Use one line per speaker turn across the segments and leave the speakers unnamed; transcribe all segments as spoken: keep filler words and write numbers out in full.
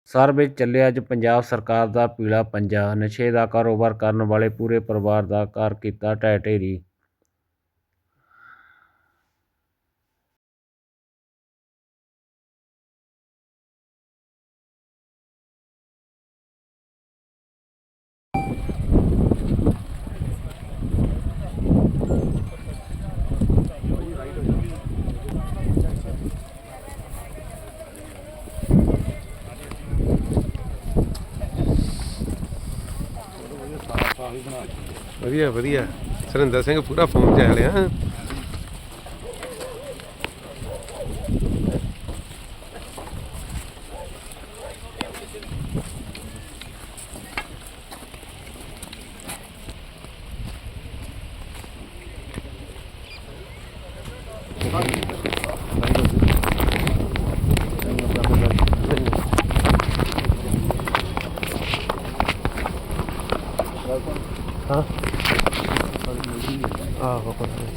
Sir ਵਿੱਚ ਚੱਲਿਆ ਅੱਜ ਪੰਜਾਬ ਸਰਕਾਰ ਦਾ ਪੀਲਾ ਪੰਜਾ। ਨਸ਼ੇ ਦਾ ਕਾਰੋਬਾਰ ਕਰਨ ਵਾਲੇ ਪੂਰੇ ਪਰਿਵਾਰ ਦਾ ਘਰ ਕੀਤਾ ਢਹਿ ਢੇਰੀ।
ਵਧੀਆ ਵਧੀਆ ਸੁਰਿੰਦਰ ਸਿੰਘ ਪੂਰਾ ਫੋਨ 'ਚ ਆ ਲਿਆ। हाँ आहो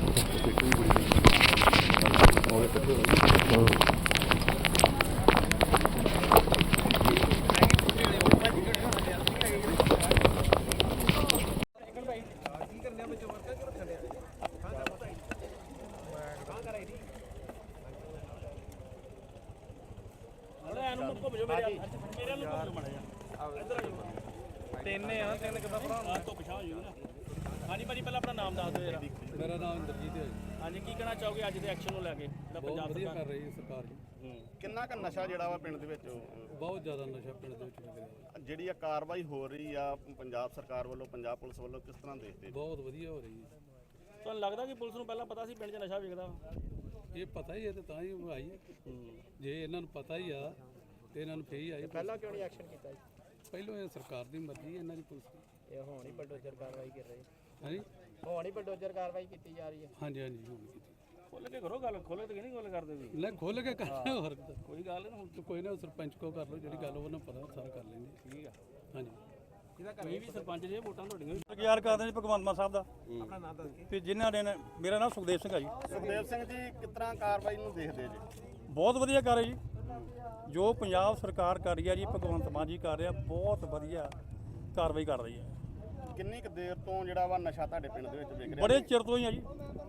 ਤਿੰਨ ਆ ਤਿੰਨ ਕਿੱਦਾਂ ਭਰਾ ਤੋਂ ਪਿਛਾਂ ਹੋ ਜੂਗਾ। ਹਾਂਜੀ ਭਾਜੀ ਪਹਿਲਾਂ ਆਪਣਾ ਨਾਮ ਦੱਸ ਦਿਓ ਜਰਾ।
ਮੇਰਾ ਨਾਮ ਇੰਦਰਜੀਤ ਹੈ ਜੀ।
ਹਾਂਜੀ ਕੀ ਕਹਿਣਾ ਚਾਹੋਗੇ ਅੱਜ ਦੇ ਐਕਸ਼ਨ ਨੂੰ ਲੈ ਕੇ ਜਿਹੜਾ ਪੰਜਾਬ
ਵਧੀਆ
ਸਰਕਾਰ
ਕਰ ਰਹੀ ਹੈ ਸਰਕਾਰ ਜੀ।
ਕਿੰਨਾ ਕੁ ਨਸ਼ਾ ਜਿਹੜਾ ਵਾ ਪਿੰਡ ਦੇ ਵਿੱਚ
ਬਹੁਤ ਜ਼ਿਆਦਾ ਨਸ਼ਾ ਪਿੰਡ ਦੇ ਵਿੱਚ ਵਿਕ ਰਿਹਾ।
ਜਿਹੜੀ ਆ ਕਾਰਵਾਈ ਹੋ ਰਹੀ ਆ ਪੰਜਾਬ ਸਰਕਾਰ ਵੱਲੋਂ ਪੰਜਾਬ ਪੁਲਿਸ ਵੱਲੋਂ ਕਿਸ ਤਰ੍ਹਾਂ ਦੇਖਦੇ?
ਬਹੁਤ ਵਧੀਆ ਹੋ ਰਹੀ ਹੈ।
ਤੁਹਾਨੂੰ ਲੱਗਦਾ ਕਿ ਪੁਲਿਸ ਨੂੰ ਪਹਿਲਾਂ ਪਤਾ ਸੀ ਪਿੰਡ 'ਚ ਨਸ਼ਾ ਵਿਕਦਾ?
ਇਹ ਪਤਾ ਹੀ ਹੈ ਤੇ ਤਾਂ ਹੀ ਉਹ ਆਈ ਹੈ। ਜੇ ਇਹਨਾਂ ਨੂੰ ਪਤਾ ਹੀ ਆ ਤੇ ਇਹਨਾਂ ਨੂੰ ਫੇਰ ਹੀ ਆਈ।
ਪਹਿਲਾਂ ਕਿਉਂ ਨਹੀਂ ਐਕਸ਼ਨ ਕੀਤਾ?
ਪਹਿਲੋਂ ਇਹ ਸਰਕਾਰ ਦੀ ਮਰਜ਼ੀ ਹੈ ਇਹਨਾਂ ਦੀ ਪੁਲਿਸ ਦੀ।
ਇਹ ਹੁਣ ਹੀ ਬਲਡੋਜ਼ਰ ਕਾਰਵਾਈ ਕਰ ਰਹੀ
ਹਾਂਜੀ
ਹੁਣ ਹੀ ਬਲਡੋਜ਼ਰ ਕਾਰਵਾਈ ਕੀਤੀ ਜਾ ਰਹੀ ਹੈ।
ਹਾਂਜੀ ਹਾਂਜੀ ਹੁਣ ਕੀਤੀ।
ਖੋਲ ਕੇ ਕਰੋ ਗੱਲ, ਖੋਲੇ ਤੇ ਨਹੀਂ ਗੱਲ ਕਰਦੇ ਵੀ।
ਲੈ ਖੋਲ ਕੇ ਕਰਨਾ ਹੋਰ
ਕੋਈ ਗੱਲ ਨਹੀਂ। ਹੁਣ
ਤਾਂ ਕੋਈ ਨਾ ਸਰਪੰਚ ਕੋ ਕਰ ਲਓ, ਜਿਹੜੀ ਗੱਲ ਉਹਨਾਂ ਪਤਾ ਸਾਰਾ ਕਰ ਲੈਂਦੇ।
ਠੀਕ ਆ।
ਹਾਂਜੀ
ਕੋਈ ਵੀ ਸਰਪੰਚ ਜੇ ਵੋਟਾਂ ਤੁਹਾਡੀਆਂ ਵੀ
ਯਾਰ ਕਰਦੇ ਜੀ ਭਗਵੰਤ ਮਾਨ ਸਾਹਿਬ ਦਾ। ਆਪਣਾ ਨਾਮ ਦੱਸ ਕੇ ਤੇ ਜਿਨ੍ਹਾਂ ਨੇ ਮੇਰਾ ਨਾਮ ਸੁਖਦੇਵ ਸਿੰਘ ਆ ਜੀ।
ਸੁਖਦੇਵ ਸਿੰਘ ਜੀ ਕਿਸ ਤਰ੍ਹਾਂ ਕਾਰਵਾਈ ਨੂੰ ਦੇਖਦੇ ਜੀ?
ਬਹੁਤ ਵਧੀਆ ਕਰ ਰਹੀ ਜੀ। ਜੋ ਪੰਜਾਬ ਸਰਕਾਰ ਕਰ ਰਹੀ ਹੈ ਜੀ, ਭਗਵੰਤ ਮਾਨ ਜੀ ਕਰ ਰਿਹਾ, ਬਹੁਤ ਵਧੀਆ ਕਾਰਵਾਈ ਕਰ ਰਹੀ ਹੈ।
ਕਿੰਨੀ ਕੁ ਦੇਰ ਤੋਂ ਜਿਹੜਾ ਵਾ ਨਸ਼ਾ ਤੁਹਾਡੇ ਪਿੰਡ ਦੇ ਵਿੱਚ ਵਿਕ ਰਿਹਾ?
ਬੜੇ ਚਿਰ ਤੋਂ ਹੀ ਆ ਜੀ।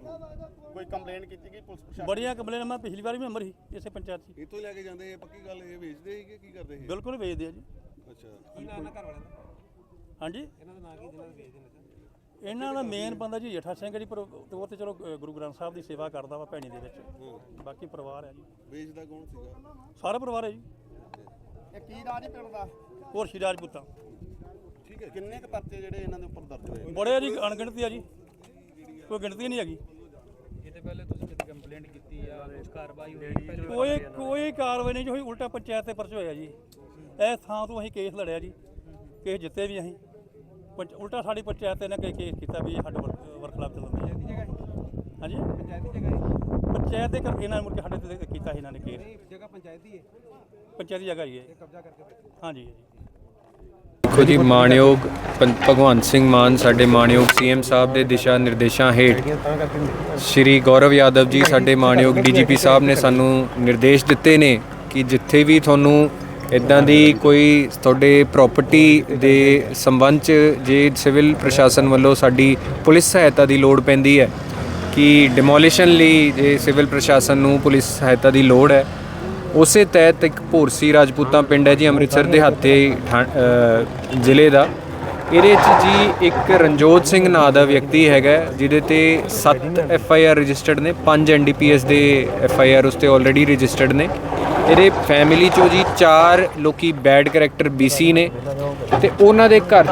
ਕੋਈ ਕੰਪਲੇਂਟ ਕੀਤੀ ਗਈ ਪੁਲਿਸ ਪ੍ਰਸ਼ਾਸਨ?
ਬੜੀਆਂ ਕੰਪਲੇਨਾਂ, ਮੈਂ ਪਿਛਲੀ ਵਾਰ ਵੀ ਮੈਂਬਰ ਸੀ ਇਸੇ ਪੰਚਾਇਤ 'ਚ।
ਇੱਥੋਂ ਲੈ ਕੇ ਜਾਂਦੇ ਪੱਕੀ ਗੱਲ ਇਹ ਵੇਚਦੇ ਸੀ ਕਿ ਕੀ ਕਰਦੇ ਸੀ?
ਬਿਲਕੁਲ ਵੇਚਦੇ ਆ ਜੀ।
ਅੱਛਾ
ਕੀ ਨਾਮ ਘਰ ਵਾਲਿਆਂ ਦਾ? ਹਾਂਜੀ
ਇਹਨਾਂ ਦਾ ਨਾਂ ਕੀ ਜਿਹਨਾਂ ਵੇਚਦੇ ਨੇ?
ਇਹਨਾਂ ਦਾ ਮੇਨ ਬੰਦਾ ਜੀ ਜੇਠਾ ਸਿੰਘ ਜੀ, ਪਰ ਉਹ ਤੇ ਚਲੋ ਗੁਰੂ ਗ੍ਰੰਥ ਸਾਹਿਬ ਦੀ ਸੇਵਾ ਕਰਦਾ ਵਾ ਭੈਣੀ ਦੇ ਵਿੱਚ। ਬਾਕੀ ਪਰਿਵਾਰ ਹੈ ਜੀ,
ਵੇਚਦਾ ਕੌਣ ਸੀਗਾ?
ਸਾਰਾ ਪਰਿਵਾਰ ਹੈ ਜੀ।
ਇਹ ਕੀ ਰਾਜ ਪਿੰਡ ਦਾ?
ਹੋਰ ਸ਼੍ਰੀ ਰਾਜਪੂਤਾਂ।
ਠੀਕ ਹੈ। ਕਿੰਨੇ ਕੁ ਪਰਚੇ ਜਿਹੜੇ ਇਹਨਾਂ ਦੇ ਉੱਪਰ ਦਰਜ ਹੋਏ?
ਬੜੇ ਆ ਜੀ, ਅਣਗਿਣਤੀ ਆ ਜੀ, ਕੋਈ ਗਿਣਤੀ ਨਹੀਂ ਹੈਗੀ।
ਇਹਦੇ ਪਹਿਲੇ ਤੁਸੀਂ ਕਿਤੇ ਕੰਪਲੇਂਟ ਕੀਤੀ ਆ, ਕੁਝ ਕਾਰਵਾਈ ਹੋਈ?
ਕੋਈ ਕੋਈ ਕਾਰਵਾਈ ਨਹੀਂ ਜੀ ਹੋਈ, ਉਲਟਾ ਪੰਚਾਇਤ ਤੇ ਪਰਚ ਹੋਇਆ ਜੀ। ਇਸ ਥਾਂ ਤੋਂ ਅਸੀਂ ਕੇਸ ਲੜਿਆ ਜੀ, ਕੇਸ ਜਿੱਤੇ ਵੀ ਅਸੀਂ। ਪੰਚ ਉਲਟਾ ਸਾਡੀ ਪੰਚਾਇਤ ਨੇ ਕਈ ਕੇਸ ਕੀਤਾ ਵੀ ਇਹ ਸਾਡੇ ਵਰਖਲਾਫ ਚੱਲਦੀ ਹੈ। ਹਾਂਜੀ
ਪੰਚਾਇਤੀ ਜਗ੍ਹਾ
ਪੰਚਾਇਤ ਦੇ ਕਰ ਇਹਨਾਂ ਨੇ ਮੁੜ ਕੇ ਸਾਡੇ ਤੇ ਕੀਤਾ ਸੀ ਇਹਨਾਂ ਨੇ ਕੇਸ।
ਜਗ੍ਹਾ ਪੰਚਾਇਤੀ ਹੈ,
ਪੰਚਾਇਤੀ ਜਗ੍ਹਾ ਹੀ ਹੈ।
ਕਬਜ਼ਾ ਕਰਕੇ
ਹਾਂਜੀ
ਦੇਖੋ ਜੀ, ਮਾਣਯੋਗ ਪੰ- ਭਗਵੰਤ ਸਿੰਘ ਮਾਨ ਸਾਡੇ ਮਾਣਯੋਗ ਸੀਐਮ ਸਾਹਿਬ ਦੇ ਦਿਸ਼ਾ ਨਿਰਦੇਸ਼ਾਂ ਹੇਠ ਸ਼੍ਰੀ ਗੌਰਵ ਯਾਦਵ ਜੀ ਸਾਡੇ ਮਾਣਯੋਗ ਡੀਜੀਪੀ ਸਾਹਿਬ ਨੇ ਸਾਨੂੰ ਨਿਰਦੇਸ਼ ਦਿੱਤੇ ਨੇ ਕਿ ਜਿੱਥੇ ਵੀ ਤੁਹਾਨੂੰ ਇੱਦਾਂ ਦੀ ਕੋਈ ਤੁਹਾਡੇ ਪ੍ਰਾਪਰਟੀ ਦੇ ਸੰਬੰਧ 'ਚ ਜੇ ਸਿਵਲ ਪ੍ਰਸ਼ਾਸਨ ਵੱਲੋਂ ਸਾਡੀ ਪੁਲਿਸ ਸਹਾਇਤਾ ਦੀ ਲੋੜ ਪੈਂਦੀ ਹੈ ਕਿ ਡਿਮੋਲੀਸ਼ਨ ਲਈ ਜੇ ਸਿਵਲ ਪ੍ਰਸ਼ਾਸਨ ਨੂੰ ਪੁਲਿਸ ਸਹਾਇਤਾ ਦੀ ਲੋੜ ਹੈ, ਉਸੇ ਤਹਿਤ ਇੱਕ ਭੋਰਸੀ ਰਾਜਪੂਤਾਂ ਪਿੰਡ ਹੈ ਜੀ, ਅੰਮ੍ਰਿਤਸਰ ਦੇ ਹੱਥੇ ਜ਼ਿਲ੍ਹੇ ਦਾ। ਇਹਦੇ 'ਚ ਜੀ ਇੱਕ ਰਣਜੋਤ ਸਿੰਘ ਨਾਂ ਦਾ ਵਿਅਕਤੀ ਹੈਗਾ ਜਿਹਦੇ ਤੇ ਸੱਤ ਐਫ ਆਈ ਆਰ ਰਜਿਸਟਰਡ ਨੇ, ਪੰਜ ਐਨ ਡੀ ਪੀ ਐਸ ਦੇ ਐਫ ਆਈ ਆਰ ਉਸ 'ਤੇ ਆਲਰੇਡੀ ਰਜਿਸਟਰਡ ਨੇ। ਇਹਦੇ ਫੈਮਿਲੀ 'ਚੋਂ ਜੀ ਚਾਰ ਲੋਕੀ ਬੈਡ ਕਰੈਕਟਰ ਬੀ ਸੀ ਨੇ ਅਤੇ ਉਹਨਾਂ ਦੇ ਘਰ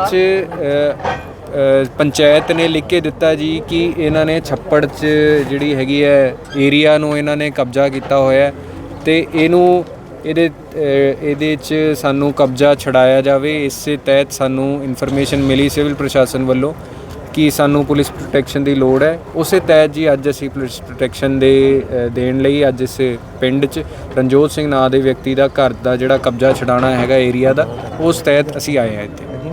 'ਚ ਪੰਚਾਇਤ ਨੇ ਲਿਖ ਕੇ ਦਿੱਤਾ ਜੀ ਕਿ ਇਹਨਾਂ ਨੇ ਛੱਪੜ 'ਚ ਜਿਹੜੀ ਹੈਗੀ ਹੈ ਏਰੀਆ ਨੂੰ ਇਹਨਾਂ ਨੇ ਕਬਜ਼ਾ ਕੀਤਾ ਹੋਇਆ ਅਤੇ ਇਹਨੂੰ ਇਹਦੇ ਇਹਦੇ 'ਚ ਸਾਨੂੰ ਕਬਜ਼ਾ ਛਡਾਇਆ ਜਾਵੇ। ਇਸੇ ਤਹਿਤ ਸਾਨੂੰ ਇਨਫੋਰਮੇਸ਼ਨ ਮਿਲੀ ਸਿਵਲ ਪ੍ਰਸ਼ਾਸਨ ਵੱਲੋਂ ਕਿ ਸਾਨੂੰ ਪੁਲਿਸ ਪ੍ਰੋਟੈਕਸ਼ਨ ਦੀ ਲੋੜ ਹੈ। ਉਸੇ ਤਹਿਤ ਜੀ ਅੱਜ ਅਸੀਂ ਪੁਲਿਸ ਪ੍ਰੋਟੈਕਸ਼ਨ ਦੇ ਦੇਣ ਲਈ ਅੱਜ ਇਸ ਪਿੰਡ 'ਚ ਰਣਜੋਤ ਸਿੰਘ ਨਾਂ ਦੇ ਵਿਅਕਤੀ ਦਾ ਘਰ ਦਾ ਜਿਹੜਾ ਕਬਜ਼ਾ ਛਡਾਉਣਾ ਹੈਗਾ ਏਰੀਆ ਦਾ, ਉਸ ਤਹਿਤ ਅਸੀਂ ਆਏ ਹਾਂ ਇੱਥੇ।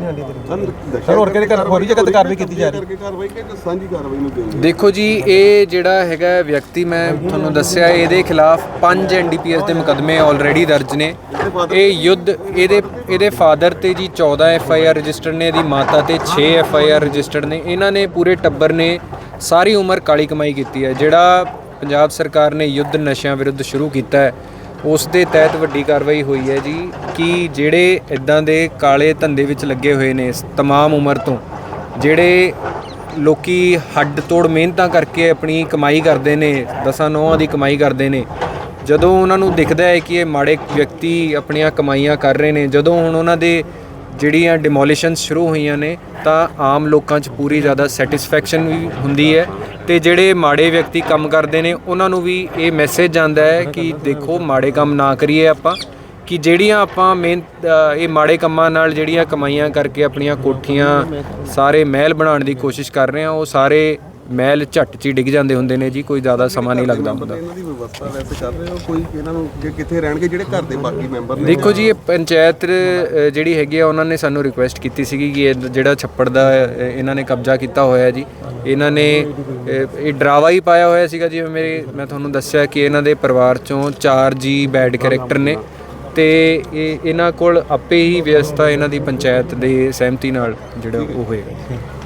ਸਰ ਹੋਰ ਕਿਹੜੇ ਕਰ ਹੋਰੀ ਜਗ੍ਹਾ ਤੇ ਕਾਰਵਾਈ ਕੀਤੀ ਜਾ ਰਹੀ ਹੈ ਕਾਰਵਾਈ ਕਿ ਸਾਂਝੀ ਕਾਰਵਾਈ ਨੂੰ ਦੇਣੀ
ਦੇਖੋ ਜੀ, ਇਹ ਜਿਹੜਾ ਹੈਗਾ ਵਿਅਕਤੀ ਮੈਂ ਤੁਹਾਨੂੰ ਦੱਸਿਆ, ਇਹਦੇ ਖਿਲਾਫ ਪੰਜ ਐਨ ਡੀ ਪੀ ਐਸ ਦੇ ਮੁਕੱਦਮੇ ਆਲਰੇਡੀ ਦਰਜ ਨੇ। ਇਹ ਯੁੱਧ ਇਹਦੇ ਇਹਦੇ ਫਾਦਰ ਤੇ ਜੀ ਚੌਦਾਂ ਐਫ ਆਈ ਆਰ ਰਜਿਸਟਰਡ ਨੇ, ਇਹਦੀ ਮਾਤਾ ਤੇ ਛੇ ਐਫ ਆਈ ਆਰ ਰਜਿਸਟਰਡ ਨੇ। ਇਹਨਾਂ ਨੇ ਪੂਰੇ ਟੱਬਰ ਨੇ ਸਾਰੀ ਉਮਰ ਕਾਲੀ ਕਮਾਈ ਕੀਤੀ ਹੈ। ਜਿਹੜਾ ਪੰਜਾਬ ਸਰਕਾਰ ਨੇ ਯੁੱਧ ਨਸ਼ਿਆਂ ਵਿਰੁੱਧ ਸ਼ੁਰੂ ਕੀਤਾ ਹੈ, ਉਸ ਦੇ ਤਹਿਤ ਵੱਡੀ ਕਾਰਵਾਈ ਹੋਈ ਹੈ ਜੀ ਕਿ ਜਿਹੜੇ ਇਦਾਂ ਦੇ ਕਾਲੇ ਧੰਦੇ ਵਿੱਚ ਲੱਗੇ ਹੋਏ ਨੇ ਤਮਾਮ ਉਮਰ ਤੋਂ, ਜਿਹੜੇ ਲੋਕੀ ਹੱਡ ਤੋੜ ਮਿਹਨਤਾਂ ਕਰਕੇ ਆਪਣੀ ਕਮਾਈ ਕਰਦੇ ਨੇ, ਦਸਾਂ ਨੌਹਾਂ ਦੀ ਕਮਾਈ ਕਰਦੇ ਨੇ, ਜਦੋਂ ਉਹਨਾਂ ਨੂੰ ਦਿਖਦਾ ਹੈ ਕਿ ਇਹ ਮਾੜੇ ਵਿਅਕਤੀ ਆਪਣੀਆਂ ਕਮਾਈਆਂ ਕਰ ਰਹੇ ਨੇ, ਜਦੋਂ ਹੁਣ ਉਹਨਾਂ ਦੇ ਜਿਹੜੀਆਂ ਡਿਮੋਲੀਸ਼ਨਸ ਸ਼ੁਰੂ ਹੋਈਆਂ ਨੇ, ਤਾਂ ਆਮ ਲੋਕਾਂ 'ਚ ਪੂਰੀ ਜ਼ਿਆਦਾ ਸੈਟਿਸਫੈਕਸ਼ਨ ਵੀ ਹੁੰਦੀ ਹੈ ਤੇ ਜਿਹੜੇ ਮਾੜੇ ਵਿਅਕਤੀ ਕੰਮ ਕਰਦੇ ਨੇ ਉਹਨਾਂ ਨੂੰ ਵੀ ਇਹ ਮੈਸੇਜ ਜਾਂਦਾ ਹੈ ਕਿ ਦੇਖੋ ਮਾੜੇ ਕੰਮ ਨਾ ਕਰੀਏ ਆਪਾਂ, ਕਿ ਜਿਹੜੀਆਂ ਆਪਾਂ ਮਿਹਨਤ ਇਹ ਮਾੜੇ ਕੰਮਾਂ ਨਾਲ ਜਿਹੜੀਆਂ ਕਮਾਈਆਂ ਕਰਕੇ ਆਪਣੀਆਂ ਕੋਠੀਆਂ ਸਾਰੇ ਮਹਿਲ ਬਣਾਉਣ ਦੀ ਕੋਸ਼ਿਸ਼ ਕਰ ਰਹੇ ਆ, ਉਹ ਸਾਰੇ ਮਹਿਲ ਝੱਟ 'ਚ ਹੀ ਡਿੱਗ ਜਾਂਦੇ ਹੁੰਦੇ ਨੇ ਜੀ, ਕੋਈ ਜ਼ਿਆਦਾ ਸਮਾਂ ਨਹੀਂ ਲੱਗਦਾ ਹੁੰਦਾ।
ਇਹਨਾਂ ਦੀ ਵਿਵਸਥਾ ਵੈਸੇ ਕਰ ਰਹੇ ਹੋ ਕੋਈ ਇਹਨਾਂ ਨੂੰ ਕਿ ਕਿੱਥੇ ਰਹਿਣਗੇ ਜਿਹੜੇ ਘਰ ਦੇ ਬਾਕੀ ਮੈਂਬਰ ਨੇ?
ਦੇਖੋ ਜੀ, ਇਹ ਪੰਚਾਇਤ ਅ, ਜਿਹੜੀ ਹੈਗੀ ਆ ਉਹਨਾਂ ਨੇ ਸਾਨੂੰ ਰਿਕੁਐਸਟ ਕੀਤੀ ਸੀਗੀ ਕਿ ਇਹ ਜਿਹੜਾ ਛੱਪੜ ਦਾ ਅ, ਇਹਨਾਂ ਨੇ ਕਬਜ਼ਾ ਕੀਤਾ ਹੋਇਆ ਜੀ, ਇਹਨਾਂ ਨੇ ਅ, ਇਹ ਡਰਾਵਾ ਹੀ ਪਾਇਆ ਹੋਇਆ ਸੀਗਾ। ਜਿਵੇਂ ਮੇਰੇ ਮੈਂ ਤੁਹਾਨੂੰ ਦੱਸਿਆ ਕਿ ਇਹਨਾਂ ਦੇ ਪਰਿਵਾਰ 'ਚੋਂ ਚਾਰ ਜੀ ਬੈਡ ਕੈਰੈਕਟਰ ਨੇ ਤੇ ਇਹ ਇਹਨਾਂ ਕੋਲ ਆਪੇ ਹੀ ਵਿਵਸਥਾ ਇਹਨਾਂ ਦੀ ਪੰਚਾਇਤ ਦੇ ਸਹਿਮਤੀ ਨਾਲ ਜਿਹੜਾ ਉਹ ਹੋਏਗਾ।